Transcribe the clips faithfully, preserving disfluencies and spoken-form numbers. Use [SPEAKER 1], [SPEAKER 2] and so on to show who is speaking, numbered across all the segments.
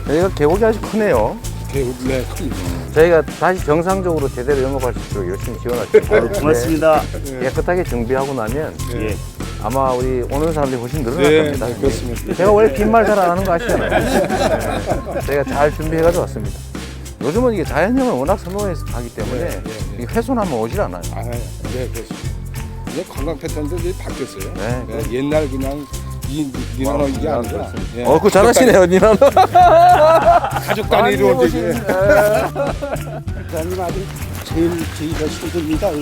[SPEAKER 1] 여기가 계곡이 아주 크네요.
[SPEAKER 2] 계곡, 네, 큽니다.
[SPEAKER 1] 저희가 다시 정상적으로 제대로 영업할 수 있도록 열심히 지원할게요.
[SPEAKER 3] 아유, 고맙습니다.
[SPEAKER 1] 네. 깨끗하게 정비하고 나면
[SPEAKER 2] 네.
[SPEAKER 3] 예.
[SPEAKER 1] 아마 우리 오는 사람들이 훨씬 늘어날
[SPEAKER 2] 네,
[SPEAKER 1] 겁니다.
[SPEAKER 2] 네, 그렇습니다.
[SPEAKER 1] 제가 원래 빈말 잘 안 하는 거 아시잖아요. 네. 저희가 잘 준비해가지고 왔습니다. 요즘은 이게 자연형을 워낙 선호해서 가기 때문에
[SPEAKER 2] 네, 네, 네.
[SPEAKER 1] 이게 훼손하면 오질 않아요.
[SPEAKER 2] 아, 네, 그렇습니다. 이제 관광 패턴도 이제 바뀌었어요.
[SPEAKER 1] 네,
[SPEAKER 2] 네, 옛날 그냥 이 니나노 이게 아니라 예.
[SPEAKER 1] 어, 그거 잘하시네요, 니나노.
[SPEAKER 2] 가족 단위로
[SPEAKER 1] 많이
[SPEAKER 2] 이제
[SPEAKER 3] 부장님 아주 제일 저희가 힘듭니다.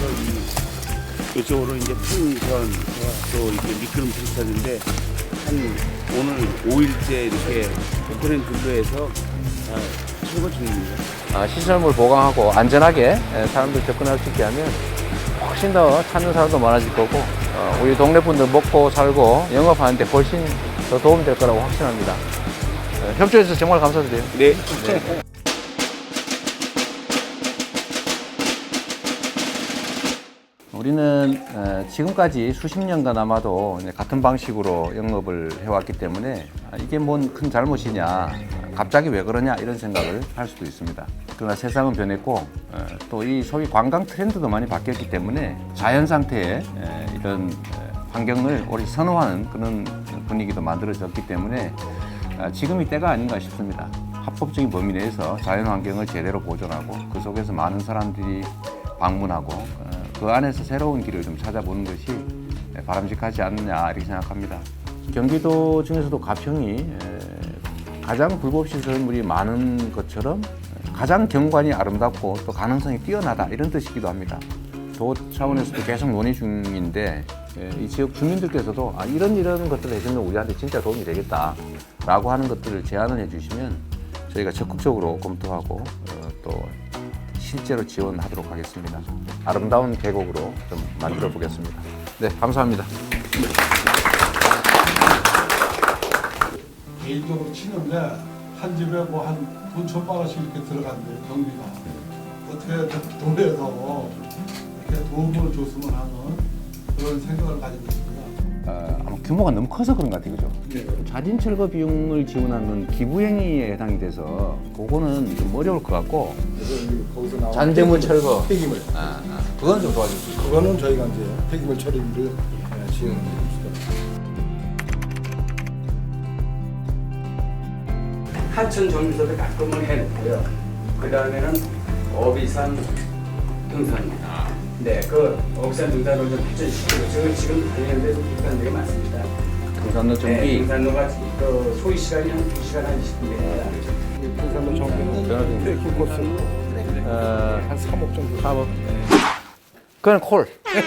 [SPEAKER 3] 이쪽으로 이제 풍선 또 이렇게 미끄럼 비슷하는데 한 오늘 오 일째 이렇게 포크랜 근로해서 아, 최고 중입니다.
[SPEAKER 1] 아, 시설물 보강하고 안전하게 사람들 접근할 수 있게 하면 훨씬 더 찾는 사람도 많아질 거고 어, 우리 동네 분들 먹고 살고 영업하는데 훨씬 더 도움이 될 거라고 확신합니다. 어, 협조해 주셔서 정말 감사드려요.
[SPEAKER 3] 네.
[SPEAKER 1] 우리는 어, 지금까지 수십 년간 아마도 이제 같은 방식으로 영업을 해왔기 때문에 아, 이게 뭔 큰 잘못이냐, 갑자기 왜 그러냐 이런 생각을 할 수도 있습니다. 그러나 세상은 변했고 어, 또 이 소위 관광 트렌드도 많이 바뀌었기 때문에 자연 상태의 에, 이런 에, 환경을 오롯이 선호하는 그런 분위기도 만들어졌기 때문에 아, 지금이 때가 아닌가 싶습니다. 합법적인 범위 내에서 자연 환경을 제대로 보존하고 그 속에서 많은 사람들이 방문하고 어, 그 안에서 새로운 길을 좀 찾아보는 것이 바람직하지 않느냐 이렇게 생각합니다. 경기도 중에서도 가평이 가장 불법 시설물이 많은 것처럼 가장 경관이 아름답고 또 가능성이 뛰어나다 이런 뜻이기도 합니다. 도 차원에서도 계속 논의 중인데 이 지역 주민들께서도 아, 이런 이런 것들을 해주면 우리한테 진짜 도움이 되겠다라고 하는 것들을 제안을 해주시면 저희가 적극적으로 검토하고 어, 또 실제로 지원하도록 하겠습니다. 아름다운 계곡으로 좀 만들어 보겠습니다. 네, 감사합니다.
[SPEAKER 4] 개인적으로 치는데 한 집에 뭐 한 돈 천만 원씩 이렇게 들어간대요, 경비가. 어떻게 도에서 이렇게 도움을 줬으면 하는 그런 생각을 가지고 있습니다.
[SPEAKER 1] 어, 아마 규모가 너무 커서 그런 것 같아요, 그죠?
[SPEAKER 4] 네.
[SPEAKER 1] 자진 철거 비용을 지원하는 기부행위에 해당이 돼서 그거는 좀 어려울 것 같고
[SPEAKER 2] 그래서 거기서 나온
[SPEAKER 1] 잔재물 철거
[SPEAKER 2] 폐기물.
[SPEAKER 1] 아, 아, 그건 좀 도와줄 수 있어요.
[SPEAKER 2] 그거는 저희가 이제 폐기물 처리를 예, 지원드립니다.
[SPEAKER 5] 하천 정비소를 가끔을 해놓고요. 그 다음에는 어비산 등산입니다. 네, 그 어비산 등산을 좀 발전시키고 지금 지금 관련돼서 등산들이 많습니다.
[SPEAKER 1] 등산로
[SPEAKER 5] 네,
[SPEAKER 1] 정비
[SPEAKER 5] 등산로가 그 소요 시간이 한 두 시간 한 이십 분 됩니다.
[SPEAKER 2] 부산로 정비는
[SPEAKER 1] 변화된
[SPEAKER 2] 트레킹 코스로
[SPEAKER 1] 어,
[SPEAKER 2] 한 삼억 정도.
[SPEAKER 1] 사업 그건 콜.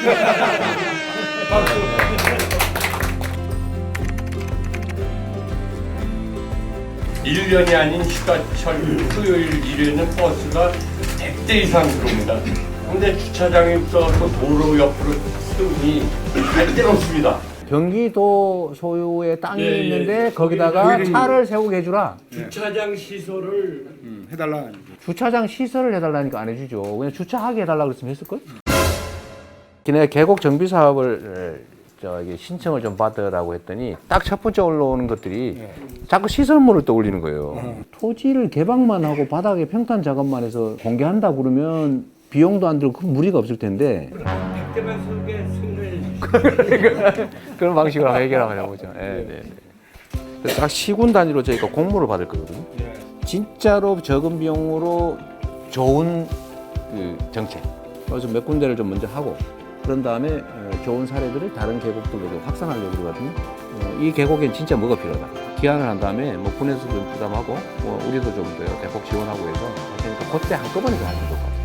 [SPEAKER 6] 일 년이 아닌 휴가철 토요일 일요일은 버스가 백 대 이상 들어옵니다. 근데 주차장이 없어서 도로 옆으로 쓰니 갈 데가 없습니다.
[SPEAKER 1] 경기도 소유의 땅이
[SPEAKER 6] 예, 예.
[SPEAKER 1] 있는데 거기다가 차를 세우게 해주라.
[SPEAKER 6] 주차장 시설을
[SPEAKER 2] 음, 해달라.
[SPEAKER 1] 주차장 시설을 해달라니까 안 해주죠. 그냥 주차하게 해달라고 그랬으면 했을걸? 기내 계곡 정비 사업을 저기 신청을 좀 받으라고 했더니 딱 첫 번째 올라오는 것들이 자꾸 시설물을 떠올리는 거예요. 토지를 개방만 하고 바닥에 평탄 작업만 해서 공개한다 그러면 비용도 안 들고 큰 무리가 없을 텐데
[SPEAKER 6] 백대만 속에 승을
[SPEAKER 1] 그런 방식으로 해결하려고 보죠. 예, 네, 네. 그래서 각 시군 단위로 저희가 공모를 받을 거거든요. 진짜로 적은 비용으로 좋은 그 정책. 그래서 몇 군데를 좀 먼저 하고 그런 다음에 좋은 사례들을 다른 계곡들로도 확산하려고 그러거든요. 이 계곡엔 진짜 뭐가 필요하다. 기한을 한 다음에 뭐 군에서 좀 부담하고 뭐 우리도 좀 더 대폭 지원하고 해서 그러니까 그때 한꺼번에 다 하는 것 같아요.